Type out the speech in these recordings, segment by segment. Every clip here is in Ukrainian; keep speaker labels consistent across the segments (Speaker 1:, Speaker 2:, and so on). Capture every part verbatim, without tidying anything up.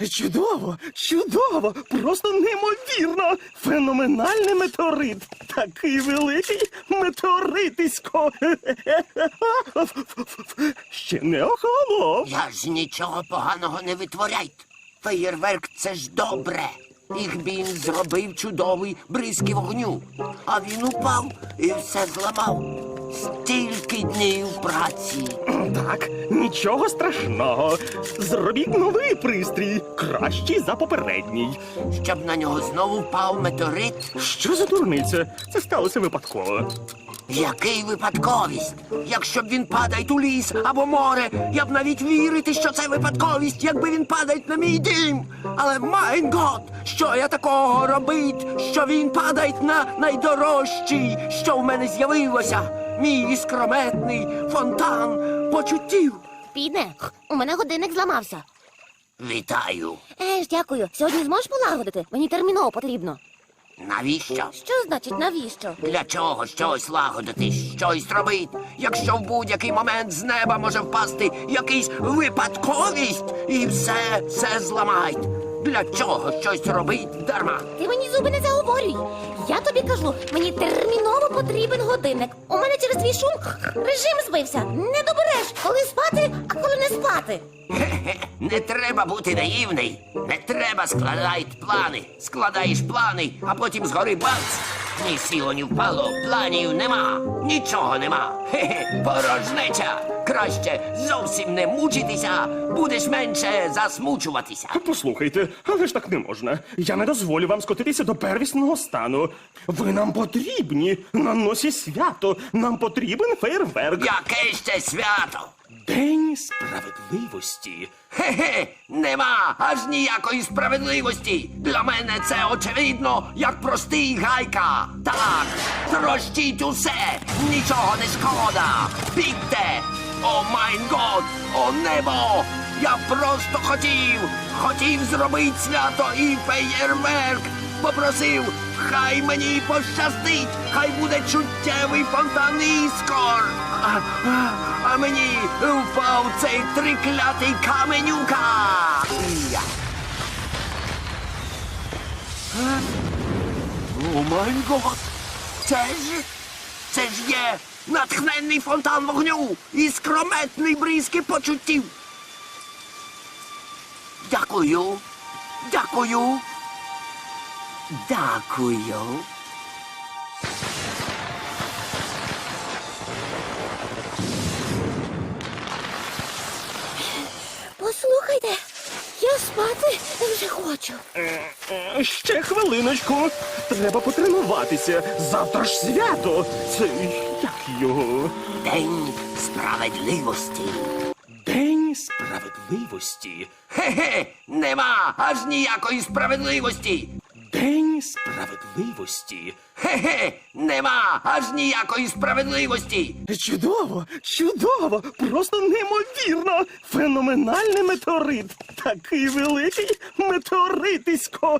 Speaker 1: Чудово, чудово, просто неймовірно. Феноменальний метеорит. Такий великий метеоритисько. Ще не охолонув.
Speaker 2: Я ж нічого поганого не витворяйте. Феєрверк – це ж добре. Ігбін зробив чудовий бризки вогню. А він упав і все зламав. Стільки днів праці.
Speaker 1: Так, нічого страшного. Зробіть новий пристрій, кращий за попередній.
Speaker 2: Щоб на нього знову впав метеорит.
Speaker 1: Що за дурниця? Це сталося випадково.
Speaker 2: Який випадковість? Якщо б він падає у ліс або море, я б навіть вірити, що це випадковість, якби він падає на мій дім. Але, майн гот, що я такого робить, що він падає на найдорожчий, що в мене з'явилося? Мій іскрометний фонтан почуттів.
Speaker 3: Піде, у мене годинник зламався.
Speaker 2: Вітаю.
Speaker 3: Еж, дякую. Сьогодні зможеш полагодити? Мені терміново потрібно.
Speaker 2: Навіщо?
Speaker 3: Що значить навіщо?
Speaker 2: Для чого щось лагодити, щось робити, якщо в будь-який момент з неба може впасти якийсь випадковість і все, все зламають? Для чого щось робить дарма?
Speaker 3: Ти мені зуби не заговорюй. Я тобі кажу, мені терміново потрібен годинник. У мене через твій шум режим збився. Не добереш, коли спати, а коли не спати.
Speaker 2: Хе-хе, не треба бути наївний. Не треба складати плани. Складаєш плани, а потім згори бац. Ні сіло, ні впало, планів нема. Нічого нема. Хе-хе, порожнеча. Краще зовсім не мучитися, будеш менше засмучуватися.
Speaker 1: Послухайте, але ж так не можна. Я не дозволю вам скотитися до первісного стану. Ви нам потрібні. На носі свято. Нам потрібен фейерверк.
Speaker 2: Яке ще свято?
Speaker 1: День справедливості.
Speaker 2: Хе-хе, нема аж ніякої справедливості. Для мене це очевидно, як простий гайка. Так, трощіть усе, нічого не шкода. Бігте! О майн год, о небо! Я просто хотів, хотів зробити свято і феєрверк. Попросив, хай мені пощастить, хай буде чуттєвий фонтан іскор. А, а, а мені впав цей триклятий каменюка. Я. Е? О май гот! Це ж, це ж є натхненний фонтан вогню і скрометний бризки почуттів. Дякую, дякую, дякую.
Speaker 3: Послухайте, я спати вже хочу.
Speaker 1: Е, Ще хвилиночку. Треба потренуватися. Завтра ж свято. Це як його?
Speaker 2: День справедливості.
Speaker 1: День справедливості.
Speaker 2: Хе-хе, нема аж ніякої справедливості.
Speaker 1: День справедливості.
Speaker 2: Хе-хе, нема аж ніякої справедливості.
Speaker 1: Чудово, чудово, просто неймовірно. Феноменальний метеорит. Такий великий метеоритисько.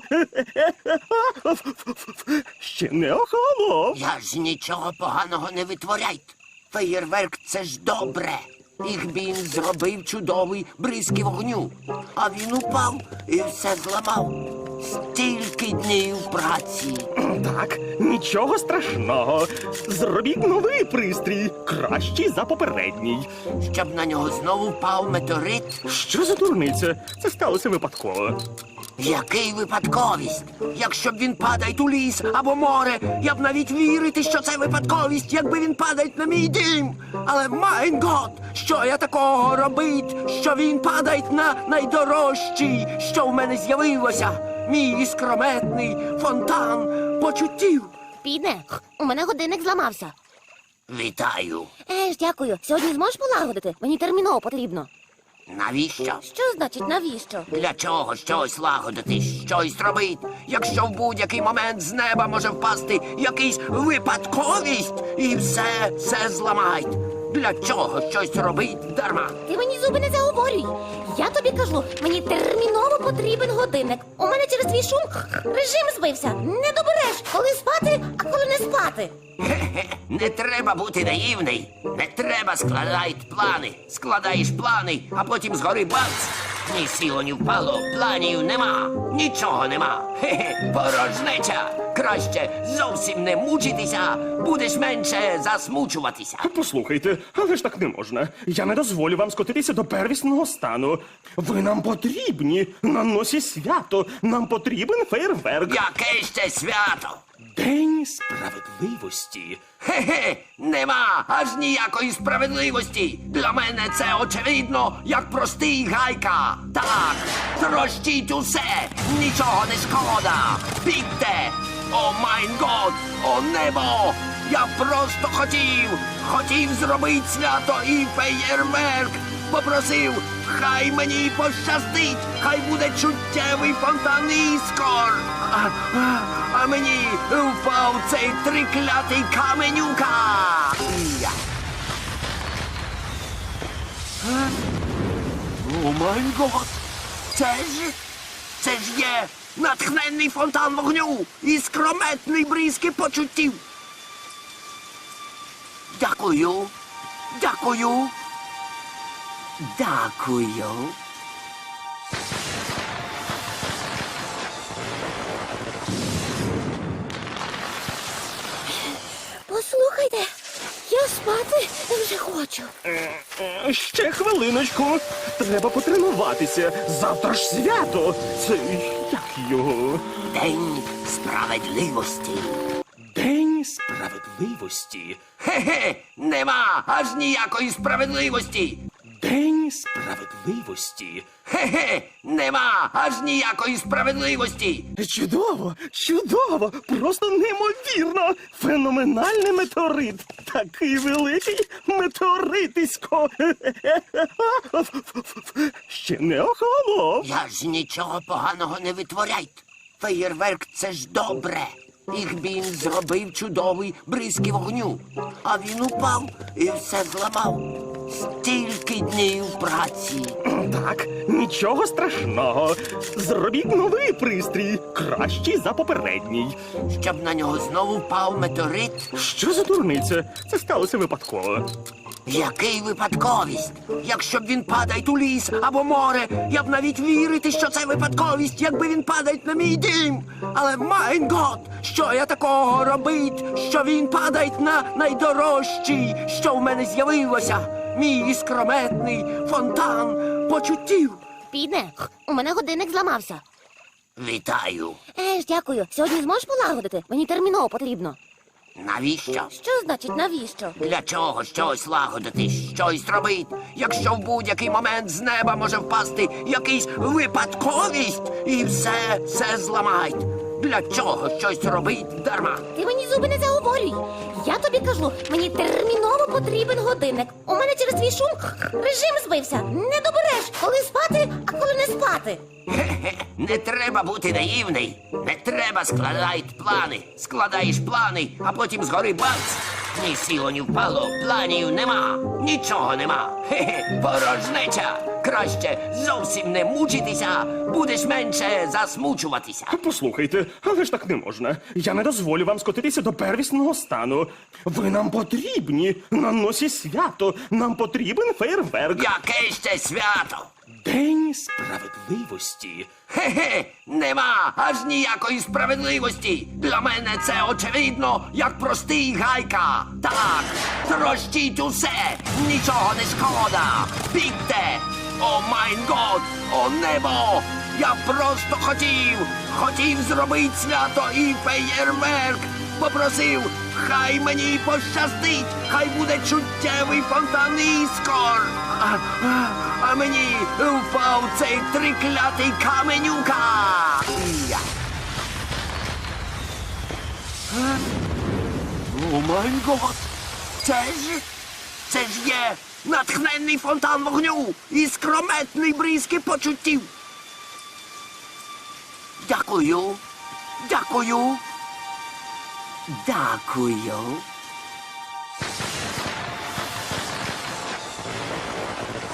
Speaker 1: Ще не охолонув.
Speaker 2: Я ж нічого поганого не витворяйте. Феєрверк – це ж добре. Ігбін зробив чудовий бризки вогню. А він упав і все зламав. Стільки днів праці.
Speaker 1: Так, нічого страшного. Зробіть новий пристрій, кращий за попередній.
Speaker 2: Щоб на нього знову впав метеорит.
Speaker 1: Що за дурниця? Це сталося випадково.
Speaker 2: Який випадковість? Якщо б він падає у ліс або море, я б навіть вірити, що це випадковість, якби він падає на мій дім. Але, майн гот, що я такого робить, що він падає на найдорожчий, що в мене з'явилося? Мій іскрометний фонтан почуттів.
Speaker 3: Піде, у мене годинник зламався.
Speaker 2: Вітаю.
Speaker 3: Еж, дякую. Сьогодні зможеш полагодити? Мені терміново потрібно.
Speaker 2: Навіщо?
Speaker 3: Що значить навіщо?
Speaker 2: Для чого щось лагодити, щось робити, якщо в будь-який момент з неба може впасти якийсь випадковість і все, все зламають? Для чого щось робить дарма?
Speaker 3: Ти мені зуби не заговорюй. Я тобі кажу, мені терміново потрібен годинник. У мене через твій шум режим збився. Не добереш, коли спати, а коли не спати.
Speaker 2: Хе-хе, не треба бути наївний. Не треба складати плани. Складаєш плани, а потім згори бац. Ні сіло, ні впало, планів нема, нічого нема. Хе-хе, порожнеча. Краще зовсім не мучитися, будеш менше засмучуватися.
Speaker 1: Послухайте, але ж так не можна. Я не дозволю вам скотитися до первісного стану. Ви нам потрібні на носі свято. Нам потрібен фейерверк.
Speaker 2: Яке ще свято?
Speaker 1: День справедливості.
Speaker 2: Хе-хе, нема аж ніякої справедливості. Для мене це очевидно, як простий гайка. Так, трощіть усе, нічого не шкода. Бігте! О майн год, о небо! Я просто хотів, хотів зробити свято і феєрверк. Попросив, хай мені пощастить, хай буде чуттєвий фонтан іскор. А, а, а мені впав цей триклятий каменюка. Я. Е? О май гот! Це ж, це ж є натхненний фонтан вогню і скрометний бризки почуттів. Дякую, дякую. Дякую.
Speaker 3: Послухайте, я спати вже хочу.
Speaker 1: Е, Ще хвилиночку. Треба потренуватися. Завтра ж свято. Це як його?
Speaker 2: День справедливості.
Speaker 1: День справедливості.
Speaker 2: Хе-хе, нема аж ніякої справедливості.
Speaker 1: День справедливості.
Speaker 2: Хе-хе, нема аж ніякої справедливості.
Speaker 1: Чудово, чудово, просто неймовірно. Феноменальний метеорит. Такий великий метеоритисько. Ще не охолонув.
Speaker 2: Я ж нічого поганого не витворяйте. Феєрверк — це ж добре. Їх він зробив чудовий бризки вогню. А він упав і все зламав. Стільки днів праці.
Speaker 1: Так, нічого страшного. Зробіть новий пристрій, кращий за попередній.
Speaker 2: Щоб на нього знову впав метеорит.
Speaker 1: Що за дурниця? Це сталося випадково.
Speaker 2: Який випадковість? Якщо б він падає у ліс або море, я б навіть вірити, що це випадковість, якби він падає на мій дім. Але майн гот, що я такого робить, що він падає на найдорожчий, що в мене з'явилося? Мій іскрометний фонтан почуттів.
Speaker 3: Підне, у мене годинник зламався.
Speaker 2: Вітаю.
Speaker 3: Е ж, дякую. Сьогодні зможеш полагодити? Мені терміново потрібно.
Speaker 2: Навіщо?
Speaker 3: Що значить навіщо?
Speaker 2: Для чого щось лагодити, щось робить, якщо в будь-який момент з неба може впасти якийсь випадковість і все, все зламають? Для чого щось робить дарма?
Speaker 3: Ти мені зуби не заговорюй. Я тобі кажу, мені терміново потрібен годинник. У мене через твій шум режим збився. Не добереш, коли спати, а коли не спати.
Speaker 2: Хе-хе, не треба бути наївний. Не треба складати плани. Складаєш плани, а потім згори бац. Ні сіло, ні впало, планів нема, нічого нема. Хе-хе, порожнеча. Краще зовсім не мучитися, будеш менше засмучуватися.
Speaker 1: Послухайте, але ж так не можна. Я не дозволю вам скотитися до первісного стану. Ви нам потрібні на носі свято. Нам потрібен фейерверк.
Speaker 2: Яке ще свято?
Speaker 1: День справедливості.
Speaker 2: Хе-хе, нема аж ніякої справедливості. Для мене це очевидно, як простий гайка. Так, трощіть усе, нічого не шкода. Бігте! О майн год, о небо! Я просто хотів, хотів зробити свято і феєрверк. Попросив, хай мені пощастить, хай буде чуттєвий фонтан іскор. А, а, а мені впав цей триклятий каменюка. Я. Е? О май гот! Це ж, це ж є натхненний фонтан вогню і скрометний бризки почуттів. Дякую, дякую, дякую.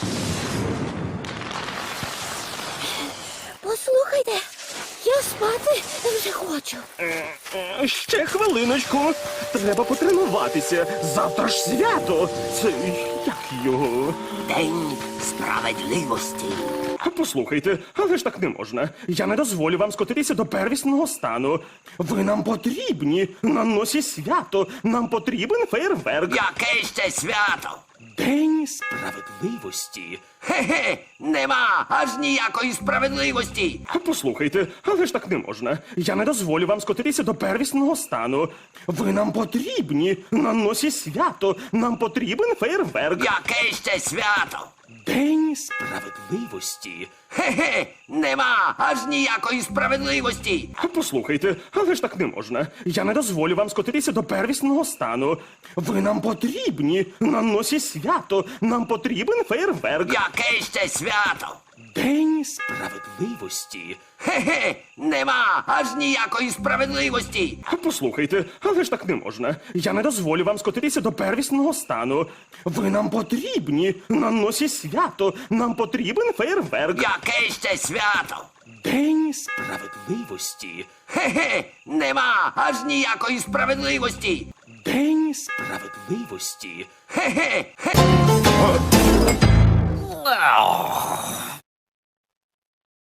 Speaker 3: Послухайте, я спати Ой, вже хочу.
Speaker 1: Е, Ще хвилиночку. Треба потренуватися. Завтра ж свято. Це як його?
Speaker 2: День справедливості.
Speaker 1: Послухайте, але ж так не можна. Я не дозволю вам скотитися до первісного стану. Ви нам потрібні на носі свято. Нам потрібен фейерверк.
Speaker 2: Яке ще свято?
Speaker 1: День справедливості.
Speaker 2: Хе-хе, нема аж ніякої справедливості.
Speaker 1: Послухайте, але ж так не можна. Я не дозволю вам скотитися до первісного стану. Ви нам потрібні на носі свято. Нам потрібен фейерверк.
Speaker 2: Яке ще свято?
Speaker 1: День справедливості.
Speaker 2: Хе-хе, нема аж ніякої справедливості.
Speaker 1: Послухайте, але ж так не можна. Я не дозволю вам скотитися до первісного стану. Ви нам потрібні на носі свято. Нам потрібен фейерверк.
Speaker 2: Яке ще свято?
Speaker 1: День справедливості.
Speaker 2: Хе-хе, нема аж ніякої справедливості.
Speaker 1: Послухайте, але ж так не можна. Я не дозволю вам скотитися до первісного стану. Ви нам потрібні на носі свято. Нам потрібен фейерверк.
Speaker 2: Яке ще свято?
Speaker 1: День справедливості.
Speaker 2: Хе-хе, нема аж ніякої справедливості.
Speaker 1: День справедливості.
Speaker 2: Хе-хе, хе.